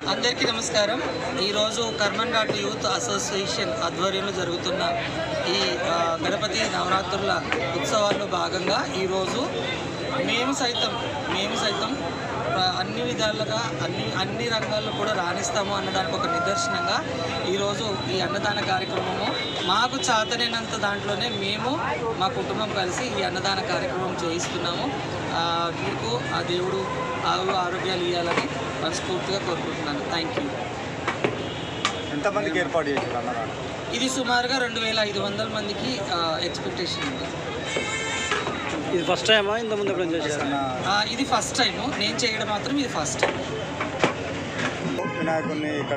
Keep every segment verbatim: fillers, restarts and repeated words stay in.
అందరికీ నమస్కారం. ఈరోజు కర్మన్ ఘాట్ యూత్ అసోసియేషన్ ఆధ్వర్యంలో జరుగుతున్న ఈ గణపతి నవరాత్రుల ఉత్సవాల్లో భాగంగా ఈరోజు మేము సైతం మేము సైతం అన్ని విధాలుగా అన్ని అన్ని రంగాల్లో కూడా రాణిస్తాము అన్నదానికి ఒక నిదర్శనంగా ఈరోజు ఈ అన్నదాన కార్యక్రమము మాకు చాతనైనంత దాంట్లోనే మేము మా కుటుంబం కలిసి ఈ అన్నదాన కార్యక్రమం చేయిస్తున్నాము. మీకు ఆ దేవుడు ఆరు ఆరోగ్యాలు ఇవ్వాలని మనస్ఫూర్తిగా కోరుకుంటున్నాను. Thank you. ఎంతమందికి ఏర్పాటు చేశారు అన్నదానం? ఇది సుమారుగా రెండు వేల ఐదు వందల మందికి ఎక్స్పెక్టేషన్ ఉంది. ఇది ఫస్ట్ టైమా ఇంత ముందు ఎప్పుడు చేశారు? ఇది ఫస్ట్ టైము, నేను చేయడం మాత్రం ఇది ఫస్ట్ టైం. వినాయకుడిని ఇక్కడ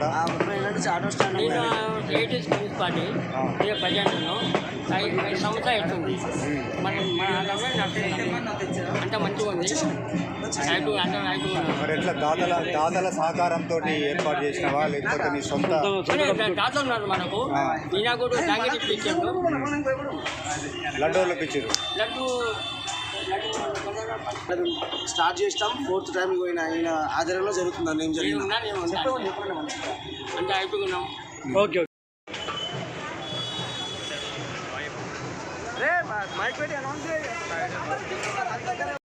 పార్టీ ప్రజెంట్ను ఐదు సంవత్సరాలు అవుతుంది. మరి మన అంటే మంచిగా ఉంది. ఐదు అంటే ఐదు మరి ఎట్లా దాతల దాతల సహకారంతో ఏర్పాటు చేసినవా లేకపోతే నీ సొంత దాతలు ఉన్నారు మనకు. ఈయన కూడా ప్యాకెట్ ఇప్పించాడు, లడ్డూలు ఇప్పించారు. లడ్డు స్టార్ట్ చేస్తాం. ఫోర్త్ టైం పోయిన ఆయన ఆధారంలో జరుగుతుందని ఏం జరిగింది అంటే అయిపోయినాం. ఓకే మైక్ పెట్టి అనౌన్స్